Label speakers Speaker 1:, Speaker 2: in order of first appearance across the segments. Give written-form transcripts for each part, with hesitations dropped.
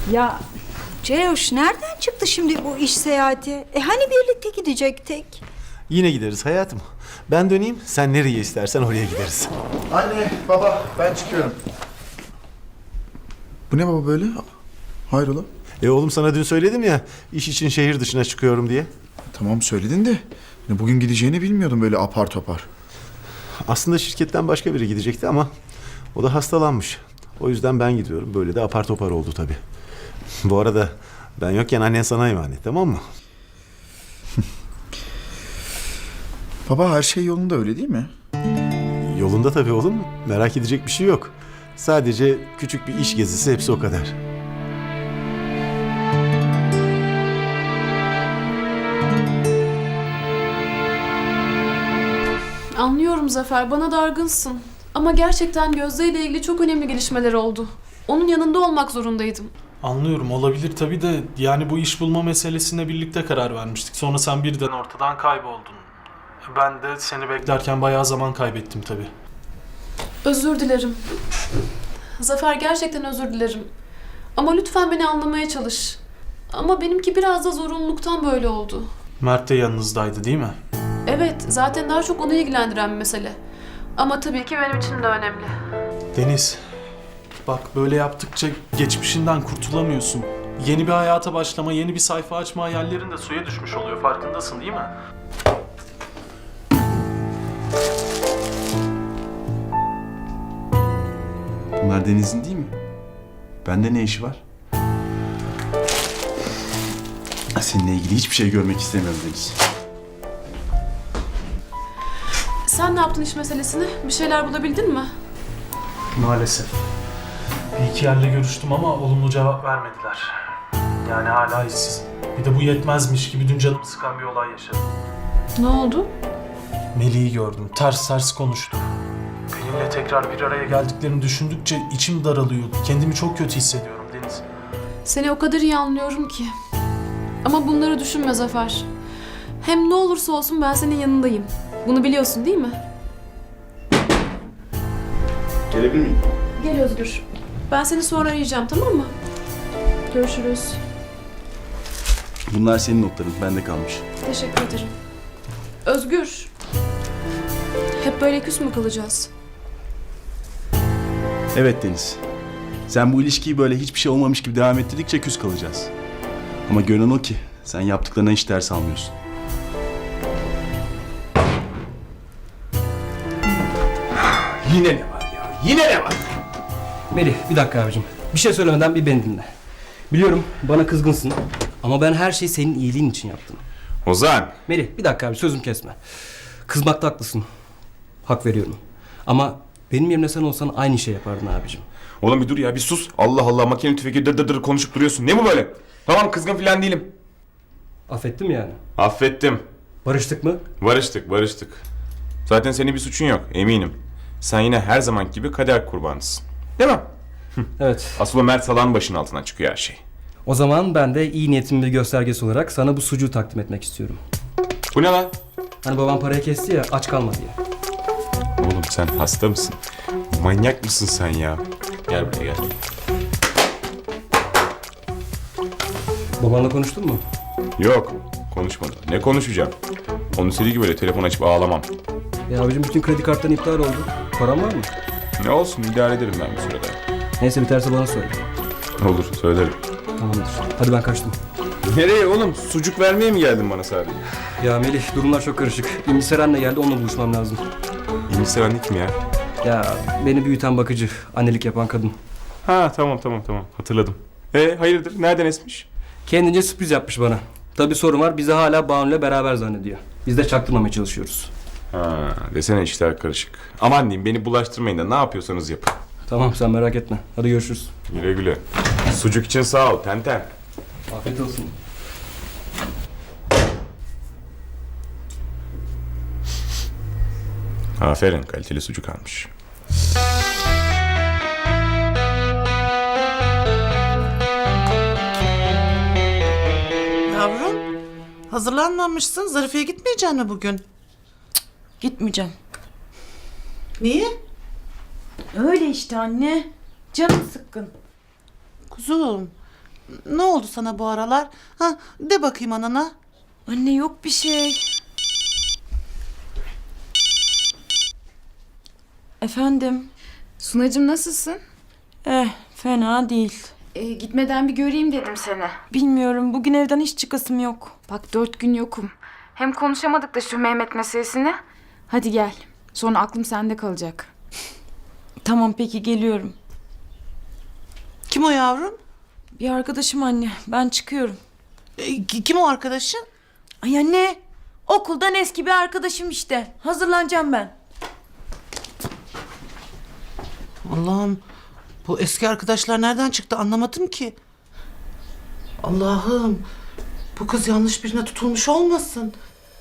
Speaker 1: Ya Ceyoş nereden çıktı şimdi bu iş seyahati? Hani birlikte gidecektik?
Speaker 2: Yine gideriz hayatım. Ben döneyim, sen nereye istersen oraya gideriz.
Speaker 3: Anne, baba ben çıkıyorum. Bu ne baba böyle? Hayrola?
Speaker 2: Oğlum sana dün söyledim ya, iş için şehir dışına çıkıyorum diye.
Speaker 3: Tamam söyledin de bugün gideceğini bilmiyordum böyle apar topar.
Speaker 2: Aslında şirketten başka biri gidecekti ama o da hastalanmış. O yüzden ben gidiyorum. Böyle de apar topar oldu tabii. Bu arada ben yokken annen sana emanet, tamam mı?
Speaker 3: Baba her şey yolunda öyle değil mi?
Speaker 2: Yolunda tabii oğlum. Merak edecek bir şey yok. Sadece küçük bir iş gezisi, hepsi o kadar.
Speaker 4: Anlıyorum Zafer, bana dargınsın. Ama gerçekten Gözde ile ilgili çok önemli gelişmeler oldu. Onun yanında olmak zorundaydım.
Speaker 5: Anlıyorum, olabilir tabii de yani bu iş bulma meselesine birlikte karar vermiştik. Sonra sen birden ortadan kayboldun. Ben de seni beklerken bayağı zaman kaybettim tabii.
Speaker 4: Özür dilerim. Zafer, gerçekten özür dilerim. Ama lütfen beni anlamaya çalış. Ama benimki biraz da zorunluluktan böyle oldu.
Speaker 5: Mert de yanınızdaydı değil mi?
Speaker 4: Evet, zaten daha çok onu ilgilendiren bir mesele. Ama tabii ki benim için de önemli.
Speaker 5: Deniz, bak böyle yaptıkça geçmişinden kurtulamıyorsun. Yeni bir hayata başlama, yeni bir sayfa açma hayallerin de suya düşmüş oluyor. Farkındasın değil mi?
Speaker 3: Bunlar Deniz'in değil mi? Bende ne işi var? Seninle ilgili hiçbir şey görmek istemiyorum Deniz.
Speaker 4: Sen ne yaptın iş meselesini? Bir şeyler bulabildin mi?
Speaker 5: Maalesef. Bir iki yerle görüştüm ama olumlu cevap vermediler. Yani hala işsiz. Bir de bu yetmezmiş gibi dün canımı sıkan bir olay yaşadım.
Speaker 4: Ne oldu?
Speaker 5: Melih'i gördüm. Ters ters konuştu. Benimle tekrar bir araya geldiklerini düşündükçe içim daralıyor. Kendimi çok kötü hissediyorum Deniz.
Speaker 4: Seni o kadar iyi anlıyorum ki. Ama bunları düşünme Zafer. Hem ne olursa olsun ben senin yanındayım. Bunu biliyorsun değil mi?
Speaker 3: Gelebilir miyim?
Speaker 4: Gel Özgür. Ben seni sonra arayacağım, tamam mı? Görüşürüz.
Speaker 3: Bunlar senin notların, bende kalmış.
Speaker 4: Teşekkür ederim. Özgür. Hep böyle küs mü kalacağız?
Speaker 3: Evet Deniz. Sen bu ilişkiyi böyle hiçbir şey olmamış gibi devam ettirdikçe küs kalacağız. Ama görünen o ki sen yaptıklarına hiç ders almıyorsun.
Speaker 6: Yine ne var ya? Yine ne var?
Speaker 7: Melih, bir dakika abicim. Bir şey söylemeden bir beni dinle. Biliyorum bana kızgınsın ama ben her şeyi senin iyiliğin için yaptım.
Speaker 6: Ozan.
Speaker 7: Melih, bir dakika abi, sözüm kesme. Kızmakta haklısın. Hak veriyorum. Ama benim yerimde sen olsan aynı şey yapardın abicim.
Speaker 6: Oğlum bir dur ya, bir sus. Allah Allah, makine tüfeği dır dır dır konuşup duruyorsun. Ne bu böyle? Tamam, kızgın falan değilim.
Speaker 7: Affettim yani.
Speaker 6: Affettim.
Speaker 7: Barıştık mı?
Speaker 6: Barıştık. Zaten senin bir suçun yok, eminim. Sen yine her zaman gibi kader kurbanısın. Değil mi?
Speaker 7: Evet.
Speaker 6: Asıl o Mert Salah'ın başının altından çıkıyor her şey.
Speaker 7: O zaman ben de iyi niyetimin bir göstergesi olarak sana bu sucuğu takdim etmek istiyorum.
Speaker 6: Bu ne lan?
Speaker 7: Hani babam parayı kesti ya, aç kalma diye.
Speaker 6: Oğlum sen hasta mısın? Manyak mısın sen ya? Gel buraya gel.
Speaker 7: Babanla konuştun mu?
Speaker 6: Yok, konuşmadım. Ne konuşacağım? Onun istediği gibi böyle telefon açıp ağlamam.
Speaker 7: Ya abicim, bütün kredi kartların iptal oldu. Param var mı?
Speaker 6: Ne olsun, idare ederim ben bir sürede.
Speaker 7: Neyse, biterse bana söyle.
Speaker 6: Olur, söylerim.
Speaker 7: Tamamdır. Hadi ben kaçtım.
Speaker 6: Nereye oğlum? Sucuk vermeye mi geldin bana sadece?
Speaker 7: Ya Melih, durumlar çok karışık. İnci Seren'le geldi, onunla buluşmam lazım.
Speaker 6: İngiliz sevenlik kim ya?
Speaker 7: Ya beni büyüten bakıcı, annelik yapan kadın.
Speaker 6: Ha tamam hatırladım. Hayırdır, nereden esmiş?
Speaker 7: Kendince sürpriz yapmış bana. Tabii sorun var, bizi hala Banu'yla beraber zannediyor. Biz de çaktırmamaya çalışıyoruz.
Speaker 6: Ha desene, işler karışık. Aman diyeyim, beni bulaştırmayın da ne yapıyorsanız yapın.
Speaker 7: Tamam, sen merak etme. Hadi görüşürüz.
Speaker 6: Güle güle. Sucuk için sağ ol Tenten.
Speaker 7: Afiyet olsun.
Speaker 6: Aferin, kaliteli sucuk almış.
Speaker 8: Yavrum, hazırlanmamışsın. Zarife'ye gitmeyeceksin mi bugün?
Speaker 1: Gitmeyeceğim.
Speaker 8: Niye?
Speaker 1: Öyle işte anne. Canım sıkkın.
Speaker 8: Kuzum, Ne oldu sana bu aralar? Ha, de bakayım anana.
Speaker 1: Anne yok bir şey. Efendim?
Speaker 9: Sunacığım nasılsın?
Speaker 1: Fena değil.
Speaker 9: Gitmeden bir göreyim dedim seni.
Speaker 1: Bilmiyorum, bugün evden hiç çıkasım yok.
Speaker 9: Bak 4 gün yokum. Hem konuşamadık da şu Mehmet meselesini. Hadi gel. Sonra aklım sende kalacak.
Speaker 1: Tamam peki, geliyorum.
Speaker 8: Kim o yavrum?
Speaker 1: Bir arkadaşım anne, ben çıkıyorum.
Speaker 8: Kim o arkadaşın?
Speaker 1: Ay anne, okuldan eski bir arkadaşım işte. Hazırlanacağım ben.
Speaker 8: Allah'ım, bu eski arkadaşlar nereden çıktı anlamadım ki. Allah'ım, bu kız yanlış birine tutulmuş olmasın.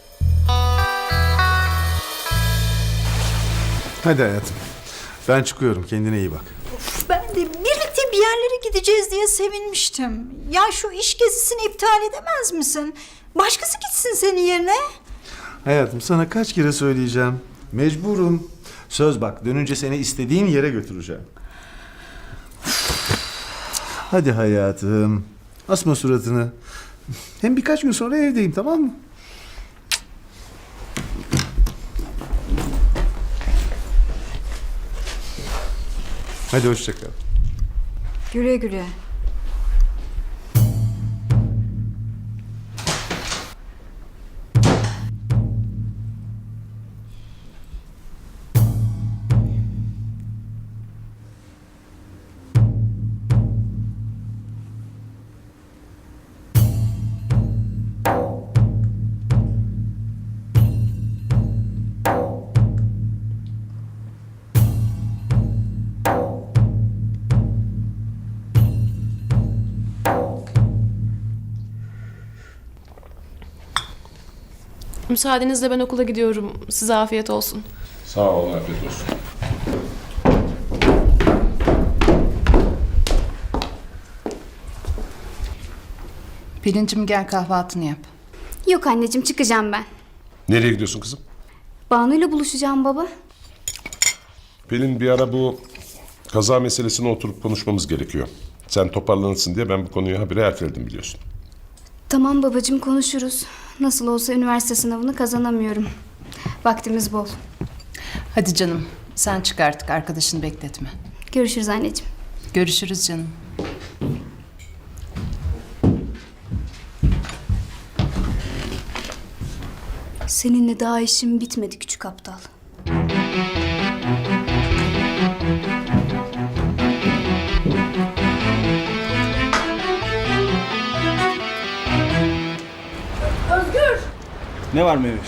Speaker 2: Hadi hayatım. Ben çıkıyorum. Kendine iyi bak.
Speaker 1: Ben de birlikte bir yerlere gideceğiz diye sevinmiştim. Ya şu iş gezisini iptal edemez misin? Başkası gitsin senin yerine.
Speaker 2: Hayatım sana kaç kere söyleyeceğim. Mecburum. Söz bak, dönünce seni istediğin yere götüreceğim. Hadi hayatım. Asma suratını. Hem birkaç gün sonra evdeyim, tamam mı? Hadi hoşça kal.
Speaker 1: Güle güle.
Speaker 4: Müsaadenizle ben okula gidiyorum. Size afiyet olsun.
Speaker 10: Sağ ol, afiyet olsun.
Speaker 9: Pelincim gel kahvaltını yap.
Speaker 11: Yok anneciğim, çıkacağım ben.
Speaker 10: Nereye gidiyorsun kızım?
Speaker 11: Banu'yla buluşacağım baba.
Speaker 10: Pelin, bir ara bu kaza meselesine oturup konuşmamız gerekiyor. Sen toparlanırsın diye ben bu konuyu habire erteledim biliyorsun.
Speaker 11: Tamam babacığım, konuşuruz. Nasıl olsa üniversite sınavını kazanamıyorum. Vaktimiz bol.
Speaker 9: Hadi canım sen çık artık, arkadaşını bekletme.
Speaker 11: Görüşürüz anneciğim.
Speaker 9: Görüşürüz canım.
Speaker 11: Seninle daha işim bitmedi küçük aptal.
Speaker 3: Ne var Meyveş?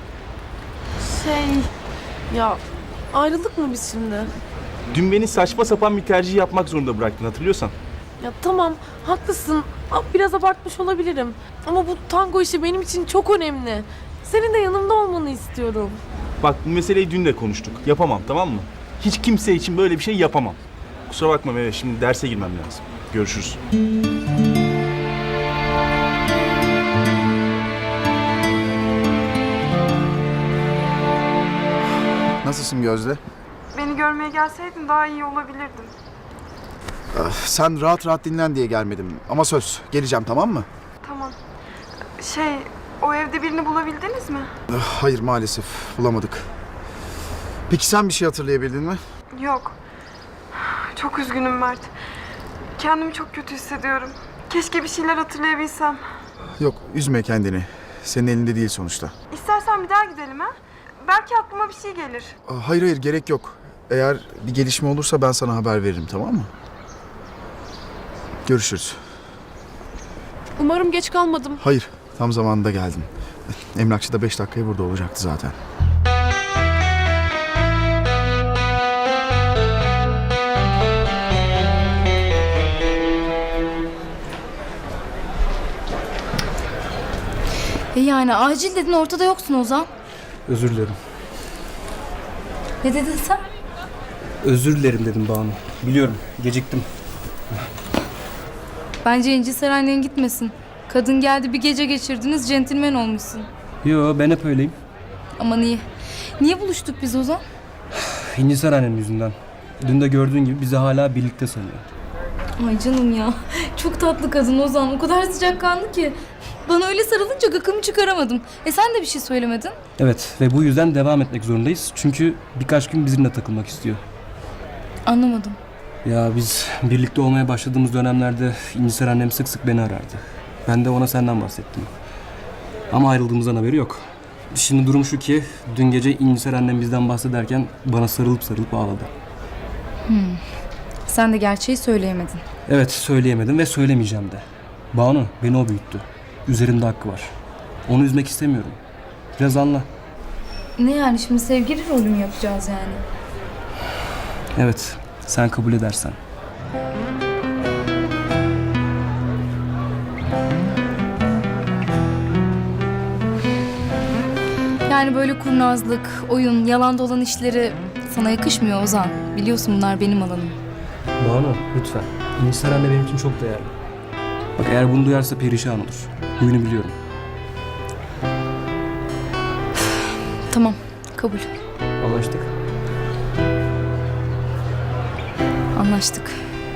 Speaker 4: Ya ayrıldık mı biz şimdi?
Speaker 3: Dün beni saçma sapan bir tercih yapmak zorunda bıraktın, hatırlıyorsan.
Speaker 4: Ya tamam, haklısın. Biraz abartmış olabilirim. Ama bu tango işi benim için çok önemli. Senin de yanımda olmanı istiyorum.
Speaker 3: Bak, bu meseleyi dün de konuştuk. Yapamam, tamam mı? Hiç kimse için böyle bir şey yapamam. Kusura bakma Meyveş, şimdi derse girmem lazım. Görüşürüz.
Speaker 12: Nasılsın Gözde?
Speaker 13: Beni görmeye gelseydin daha iyi olabilirdim.
Speaker 12: Sen rahat rahat dinlen diye gelmedim. Ama söz, geleceğim, tamam mı?
Speaker 13: Tamam. O evde birini bulabildiniz mi?
Speaker 12: Hayır, maalesef bulamadık. Peki sen bir şey hatırlayabildin mi?
Speaker 13: Yok. Çok üzgünüm Mert. Kendimi çok kötü hissediyorum. Keşke bir şeyler hatırlayabilsem.
Speaker 12: Yok, üzme kendini. Senin elinde değil sonuçta.
Speaker 13: İstersen bir daha gidelim ha? Belki aklıma bir şey gelir.
Speaker 12: Hayır, gerek yok. Eğer bir gelişme olursa ben sana haber veririm, tamam mı? Görüşürüz.
Speaker 4: Umarım geç kalmadım.
Speaker 12: Hayır, tam zamanında geldin. Emlakçı da 5 dakikaya burada olacaktı zaten.
Speaker 11: Yani acil dedin, ortada yoksun Ozan.
Speaker 7: Özür dilerim.
Speaker 11: Ne dedin sen?
Speaker 7: Özür dilerim dedim Banu. Biliyorum, geciktim.
Speaker 11: Bence İnci Seren'den gitmesin. Kadın geldi, bir gece geçirdiniz, centilmen olmuşsun.
Speaker 7: Yo, ben hep öyleyim.
Speaker 11: Ama niye? Niye buluştuk biz Ozan?
Speaker 7: Hindistan annenin yüzünden. Dün de gördüğün gibi bizi hala birlikte sanıyor.
Speaker 14: Ay canım ya. Çok tatlı kadın Ozan. O kadar sıcakkanlı ki. Bana öyle sarılınca gıkımı çıkaramadım. Sen de bir şey söylemedin.
Speaker 7: Evet ve bu yüzden devam etmek zorundayız. Çünkü birkaç gün bizimle takılmak istiyor.
Speaker 14: Anlamadım.
Speaker 7: Ya biz birlikte olmaya başladığımız dönemlerde İncisar annem sık sık beni arardı. Ben de ona senden bahsettim. Ama ayrıldığımızdan haberi yok. Şimdi durum şu ki dün gece İncisar annem bizden bahsederken bana sarılıp ağladı.
Speaker 14: Sen de gerçeği söyleyemedin.
Speaker 7: Evet söyleyemedim ve söylemeyeceğim de. Banu beni o büyüttü. Üzerinde hakkı var. Onu üzmek istemiyorum. Biraz anla.
Speaker 14: Ne yani şimdi sevgili rolü mü yapacağız yani?
Speaker 7: Evet sen kabul edersen.
Speaker 14: Yani böyle kurnazlık, oyun, yalan dolan işleri sana yakışmıyor Ozan. Biliyorsun bunlar benim alanım.
Speaker 7: Banu lütfen. İncisar anne benim için çok değerli. Bak eğer bunu duyarsa perişan olur. Huyunu biliyorum.
Speaker 14: Tamam, kabul.
Speaker 7: Anlaştık.
Speaker 14: Anlaştık.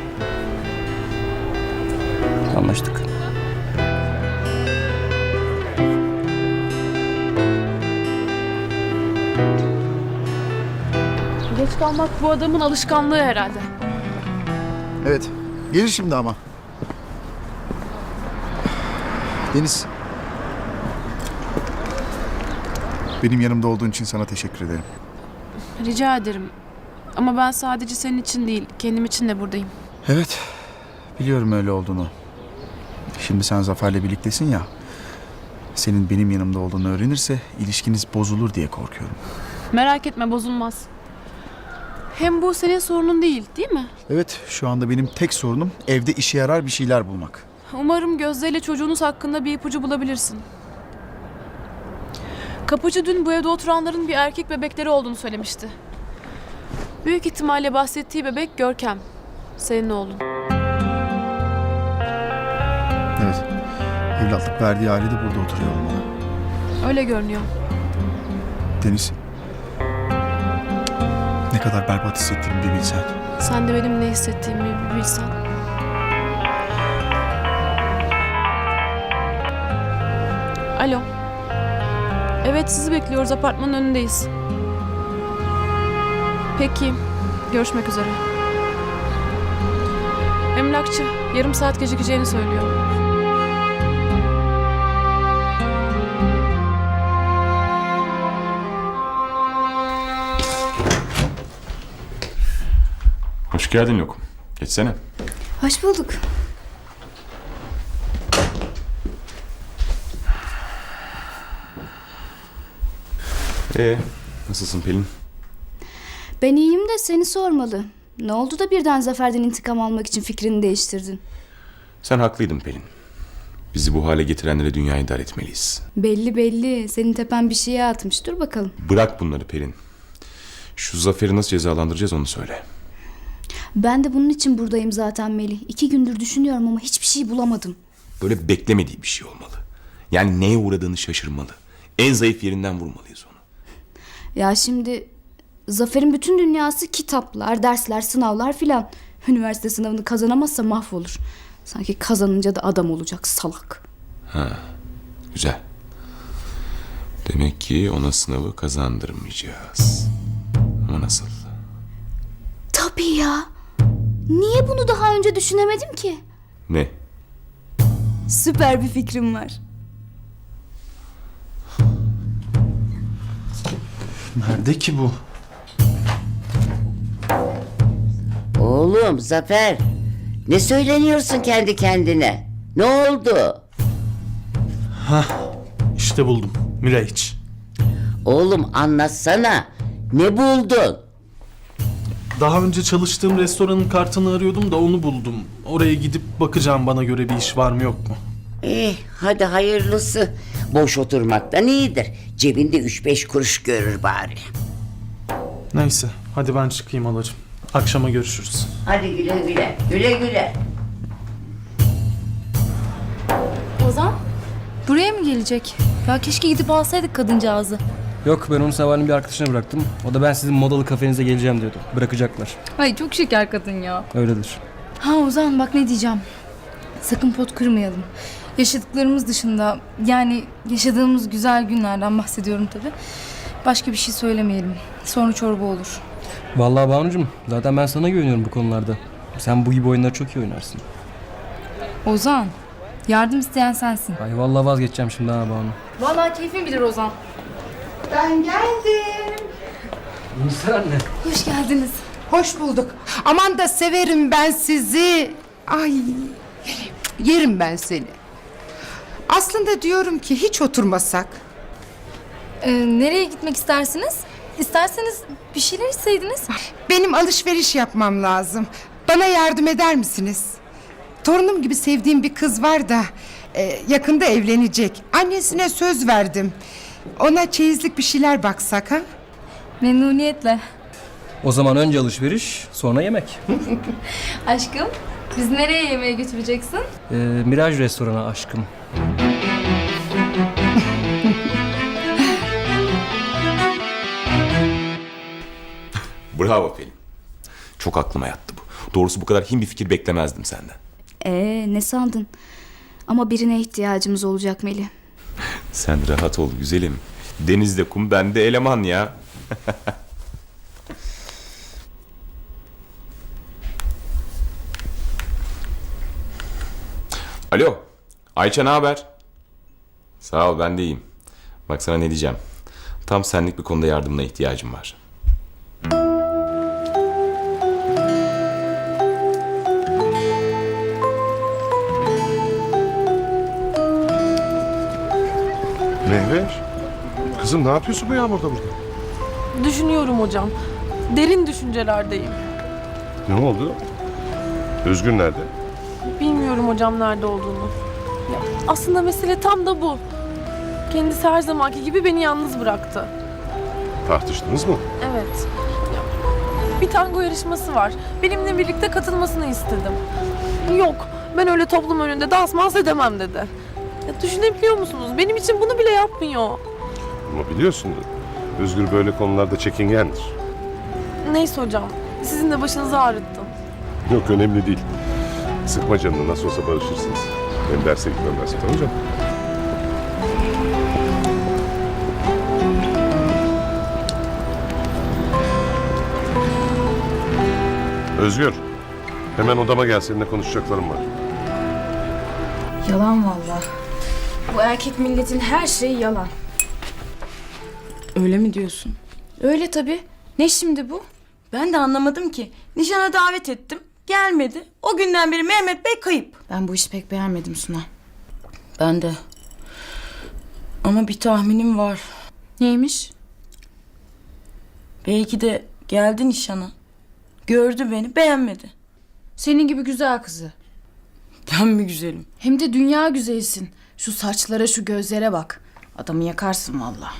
Speaker 7: Anlaştık.
Speaker 4: Geç kalmak bu adamın alışkanlığı herhalde.
Speaker 12: Evet. Gelir şimdi ama. Deniz. Benim yanımda olduğun için sana teşekkür ederim.
Speaker 4: Rica ederim. Ama ben sadece senin için değil, kendim için de buradayım.
Speaker 12: Evet. Biliyorum öyle olduğunu. Şimdi sen Zafer'le birliktesin ya. Senin benim yanımda olduğunu öğrenirse ilişkiniz bozulur diye korkuyorum.
Speaker 4: Merak etme, bozulmaz. Hem bu senin sorunun değil mi?
Speaker 12: Evet, şu anda benim tek sorunum evde işe yarar bir şeyler bulmak.
Speaker 4: Umarım Gözde ile çocuğunuz hakkında bir ipucu bulabilirsin. Kapıcı dün bu evde oturanların bir erkek bebekleri olduğunu söylemişti. Büyük ihtimalle bahsettiği bebek Görkem. Senin oğlun.
Speaker 12: Evet. Evlatlık verdiği aile de burada oturuyor olmalı.
Speaker 4: Öyle görünüyor.
Speaker 12: Deniz. Ne kadar berbat hissettiğimi bir bilsen.
Speaker 4: Sen de benim ne hissettiğimi bir bilsen. Alo. Evet, sizi bekliyoruz. Apartmanın önündeyiz. Peki. Görüşmek üzere. Emlakçı yarım saat gecikeceğini söylüyor.
Speaker 6: Hoş geldin Lokum. Geçsene.
Speaker 11: Hoş bulduk.
Speaker 6: Nasılsın Pelin?
Speaker 11: Ben iyiyim de seni sormalı. Ne oldu da birden Zafer'den intikam almak için fikrini değiştirdin?
Speaker 6: Sen haklıydın Pelin. Bizi bu hale getirenlere dünyayı dar etmeliyiz.
Speaker 11: Belli belli. Senin tepen bir şeye atmış. Dur bakalım.
Speaker 6: Bırak bunları Pelin. Şu Zafer'i nasıl cezalandıracağız onu söyle.
Speaker 11: Ben de bunun için buradayım zaten Melih. 2 gündür düşünüyorum ama hiçbir şey bulamadım.
Speaker 6: Böyle beklemediği bir şey olmalı. Yani neye uğradığını şaşırmalı. En zayıf yerinden vurmalıyız onu.
Speaker 11: Ya şimdi Zafer'in bütün dünyası kitaplar, dersler, sınavlar filan. Üniversite sınavını kazanamazsa mahvolur. Sanki kazanınca da adam olacak salak.
Speaker 6: Ha, güzel. Demek ki ona sınavı kazandırmayacağız. Ama nasıl?
Speaker 11: Tabii ya. Niye bunu daha önce düşünemedim ki?
Speaker 6: Ne?
Speaker 11: Süper bir fikrim var.
Speaker 8: Nerede ki bu?
Speaker 15: Oğlum Zafer, ne söyleniyorsun kendi kendine? Ne oldu?
Speaker 5: İşte buldum. Miraiç.
Speaker 15: Oğlum anlatsana. Ne buldun?
Speaker 5: Daha önce çalıştığım restoranın kartını arıyordum da onu buldum. Oraya gidip bakacağım, bana göre bir iş var mı yok mu?
Speaker 15: Hadi hayırlısı. Boş oturmaktan iyidir. Cebinde 3-5 kuruş görür bari.
Speaker 5: Neyse hadi ben çıkayım halacığım. Akşama görüşürüz.
Speaker 15: Hadi güle güle. Güle güle.
Speaker 14: Ozan? Buraya mı gelecek? Ya keşke gidip alsaydık kadıncağızı.
Speaker 7: Yok ben onu sabahleyin bir arkadaşına bıraktım. O da ben sizin modalı kafenize geleceğim diyordu. Bırakacaklar.
Speaker 14: Ay çok şeker kadın ya.
Speaker 7: Öyledir.
Speaker 14: Ha Ozan bak ne diyeceğim. Sakın pot kırmayalım. Yaşadıklarımız dışında yani yaşadığımız güzel günlerden bahsediyorum tabii. Başka bir şey söylemeyelim. Sonra çorba olur.
Speaker 7: Vallahi Banu'cum zaten ben sana güveniyorum bu konularda. Sen bu gibi oyunları çok iyi oynarsın.
Speaker 14: Ozan yardım isteyen sensin.
Speaker 7: Ay vallahi vazgeçeceğim şimdi ha Banu.
Speaker 14: Vallahi keyfin bilir Ozan.
Speaker 8: Ben geldim.
Speaker 7: Nisan anne.
Speaker 14: Hoş geldiniz.
Speaker 8: Hoş bulduk. Aman da severim ben sizi. Ay yerim ben seni. Aslında diyorum ki hiç oturmasak.
Speaker 14: Nereye gitmek istersiniz? İsterseniz bir şeyler içseydiniz.
Speaker 8: Benim alışveriş yapmam lazım. Bana yardım eder misiniz? Torunum gibi sevdiğim bir kız var da yakında evlenecek. Annesine söz verdim. Ona çeyizlik bir şeyler baksak ha?
Speaker 14: Memnuniyetle.
Speaker 7: O zaman önce alışveriş sonra yemek.
Speaker 14: Aşkım bizi nereye yemeğe götüreceksin?
Speaker 7: Miraj restorana aşkım.
Speaker 6: Bravo Pelin. Çok aklıma yattı bu. Doğrusu bu kadar hin bir fikir beklemezdim senden.
Speaker 11: Ne sandın? Ama birine ihtiyacımız olacak Melih.
Speaker 6: Sen rahat ol güzelim. Denizde kum, bende eleman ya. Alo. Ayça ne haber? Sağ ol, ben de iyiyim. Bak sana ne diyeceğim. Tam senlik bir konuda yardımına ihtiyacım var.
Speaker 10: Mehveş. Kızım ne yapıyorsun bu yağmurda burada?
Speaker 13: Düşünüyorum hocam. Derin düşüncelerdeyim.
Speaker 10: Ne oldu? Özgür nerede?
Speaker 13: Bilmiyorum hocam nerede olduğunu. Ya, aslında mesele tam da bu. Kendisi her zamanki gibi beni yalnız bıraktı.
Speaker 10: Tartıştınız mı?
Speaker 13: Evet. Ya, bir tango yarışması var. Benimle birlikte katılmasını istedim. Yok, ben öyle toplum önünde dans edemem dedi. Ya, düşünebiliyor musunuz? Benim için bunu bile yapmıyor.
Speaker 10: Ama biliyorsun Özgür böyle konularda çekingendir.
Speaker 13: Neyse hocam, sizin de başınızı ağrıttım.
Speaker 10: Yok önemli değil. Sıkma canını, nasıl olsa barışırsınız. Benim derse gitmem lazım, tamam hocam? Özgür, hemen odama gel, seninle konuşacaklarım var.
Speaker 9: Yalan vallahi. Bu erkek milletin her şeyi yalan.
Speaker 16: Öyle mi diyorsun?
Speaker 9: Öyle tabii. Ne şimdi bu?
Speaker 16: Ben de anlamadım ki. Nişana davet ettim. Gelmedi. O günden beri Mehmet Bey kayıp.
Speaker 9: Ben bu işi pek beğenmedim Suna.
Speaker 16: Ben de. Ama bir tahminim var.
Speaker 9: Neymiş?
Speaker 16: Belki de geldi nişana. Gördü beni, beğenmedi.
Speaker 9: Senin gibi güzel kızı.
Speaker 16: Ben mi güzelim?
Speaker 9: Hem de dünya güzelsin. Şu saçlara, şu gözlere bak. Adamı yakarsın vallahi.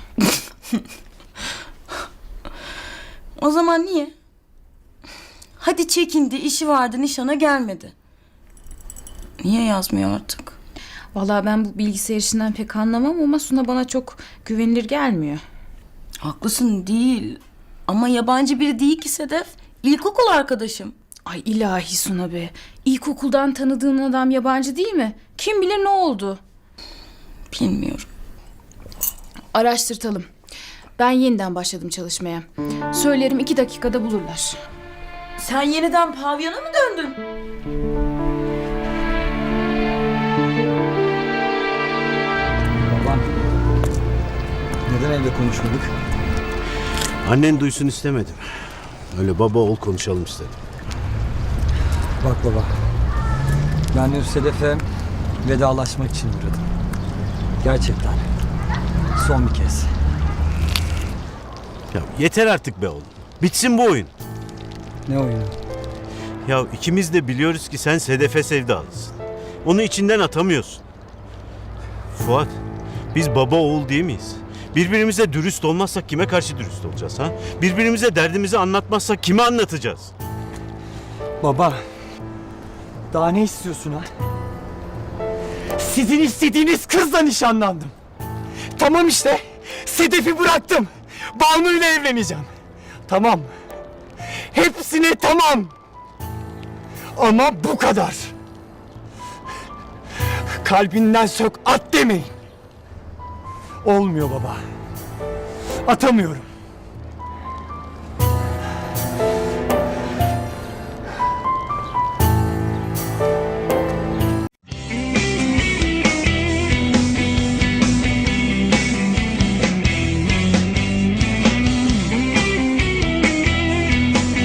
Speaker 16: O zaman niye? Hadi çekindi, işi vardı, nişana gelmedi. Niye yazmıyor artık?
Speaker 9: Vallahi ben bu bilgisayar işinden pek anlamam ama Suna bana çok güvenilir gelmiyor.
Speaker 16: Haklısın, değil. Ama yabancı biri değil ki Sedef. İlkokul arkadaşım.
Speaker 9: Ay ilahi Suna be. İlkokuldan tanıdığın adam yabancı değil mi? Kim bilir ne oldu?
Speaker 16: Bilmiyorum.
Speaker 9: Araştırtalım. Ben yeniden başladım çalışmaya. Söylerim 2 dakikada bulurlar.
Speaker 16: Sen yeniden pavyona mı döndün?
Speaker 7: Babam. Neden evde konuşmadık?
Speaker 17: Annen duysun istemedim. Öyle baba oğul konuşalım istedim.
Speaker 7: Bak baba. Ben Sedef'e vedalaşmak için uğradım. Gerçekten. Son bir kez.
Speaker 17: Ya yeter artık be oğlum. Bitsin bu oyun.
Speaker 7: Ne oyunu?
Speaker 17: Ya ikimiz de biliyoruz ki sen Sedef'e sevdalısın. Onu içinden atamıyorsun. Fuat, biz baba oğul değil miyiz? Birbirimize dürüst olmazsak kime karşı dürüst olacağız ha? Birbirimize derdimizi anlatmazsak kime anlatacağız?
Speaker 18: Baba, daha ne istiyorsun ha? Sizin istediğiniz kızla nişanlandım. Tamam işte, Sedef'i bıraktım. Banu ile evleneceğim. Tamam. Hepsine tamam. Ama bu kadar. Kalbinden sök at demeyin. Olmuyor baba. Atamıyorum.